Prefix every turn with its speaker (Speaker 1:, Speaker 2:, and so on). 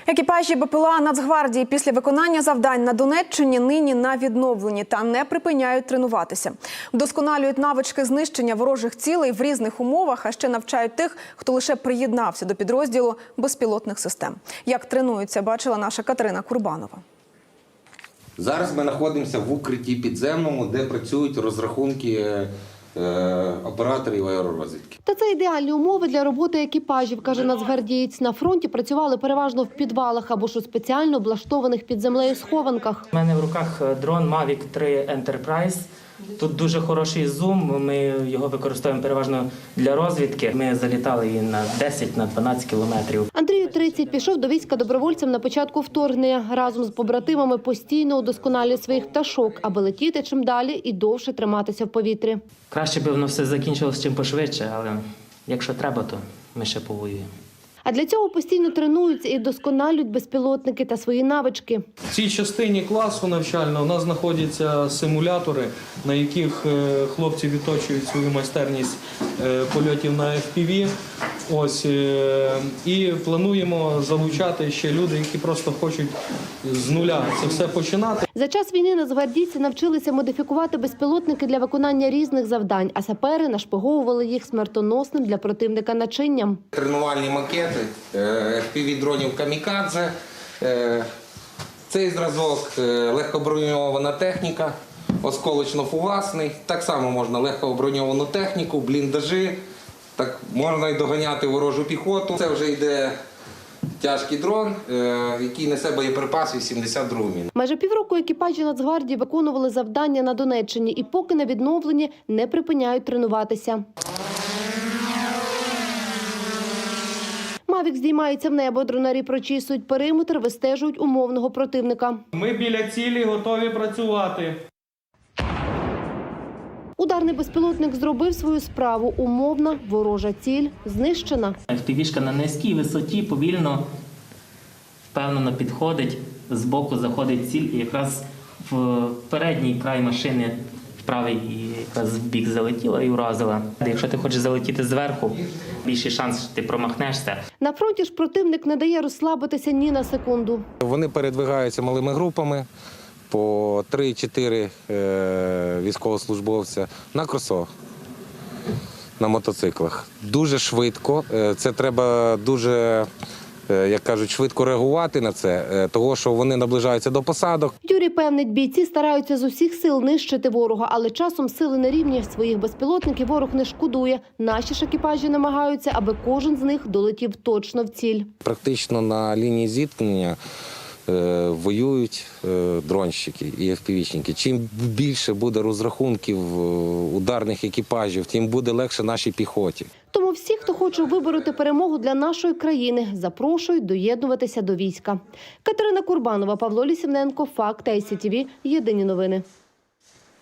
Speaker 1: Екіпажі БПЛА Нацгвардії після виконання завдань на Донеччині нині на відновленні та не припиняють тренуватися. Вдосконалюють навички знищення ворожих цілей в різних умовах, а ще навчають тих, хто лише приєднався до підрозділу безпілотних систем. Як тренуються, бачила наша Катерина Курбанова.
Speaker 2: Зараз ми знаходимося в укритті підземному, де працюють розрахунки операторів аеророзвідки.
Speaker 3: Та це ідеальні умови для роботи екіпажів, каже нацгвардієць. На фронті працювали переважно в підвалах або ж у спеціально облаштованих під землею схованках.
Speaker 4: У мене в руках дрон Mavic 3 Enterprise. Тут дуже хороший зум, ми його використовуємо переважно для розвідки. Ми залітали і на 10-12 кілометрів.
Speaker 3: Андрію 30, пішов до війська добровольцем на початку вторгнення. Разом з побратимами постійно удосконалює своїх пташок, аби летіти чим далі і довше триматися в повітрі.
Speaker 4: Краще б воно все закінчилось чим пошвидше, але якщо треба, то ми ще повоюємо.
Speaker 3: А для цього постійно тренуються і вдосконалюють безпілотники та свої навички.
Speaker 5: В цій частині класу навчального у нас знаходяться симулятори, на яких хлопці відточують свою майстерність польотів на FPV. І плануємо залучати ще люди, які просто хочуть з нуля це все починати.
Speaker 3: За час війни нацгвардійці навчилися модифікувати безпілотники для виконання різних завдань, а сапери нашпиговували їх смертоносним для противника начинням.
Speaker 2: Тренувальні макети FPV-дронів «Камікадзе». Цей зразок легкоброньована техніка, осколочно-фугасний. Так само можна легкоброньовану техніку, бліндажі. Так можна й доганяти ворожу піхоту. Це вже йде тяжкий дрон, який несе боєприпас 82 міни.
Speaker 3: Майже півроку екіпажі Нацгвардії виконували завдання на Донеччині і поки на відновленні не припиняють тренуватися. Мавік здіймається в небо, дронарі прочісують периметр, вистежують умовного противника.
Speaker 5: Ми біля цілі готові працювати.
Speaker 3: Ударний безпілотник зробив свою справу. Умовна ворожа ціль знищена.
Speaker 4: FPV-шка на низькій висоті повільно, впевнено підходить, збоку заходить ціль і якраз в передній край машини, в правий, і якраз в бік залетіла і уразила. Якщо ти хочеш залетіти зверху, більший шанс, що ти промахнешся.
Speaker 3: На фронті ж противник не дає розслабитися ні на секунду.
Speaker 2: Вони передвигаються малими групами по 3-4 військовослужбовця на кросо, на мотоциклах. Дуже швидко, це треба дуже, як кажуть, швидко реагувати на це, того, що вони наближаються до посадок.
Speaker 3: Юрій певнить, бійці стараються з усіх сил нищити ворога, але часом сили не рівні. Своїх безпілотників ворог не шкодує. Наші ж екіпажі намагаються, аби кожен з них долетів точно в ціль.
Speaker 2: Практично на лінії зіткнення воюють дронщики і FPV-шники. Чим більше буде розрахунків ударних екіпажів, тим буде легше нашій піхоті.
Speaker 3: Тому всі, хто хоче вибороти перемогу для нашої країни, запрошують доєднуватися до війська. Катерина Курбанова, Павло Лісівненко, Факти ICTV. Єдині новини.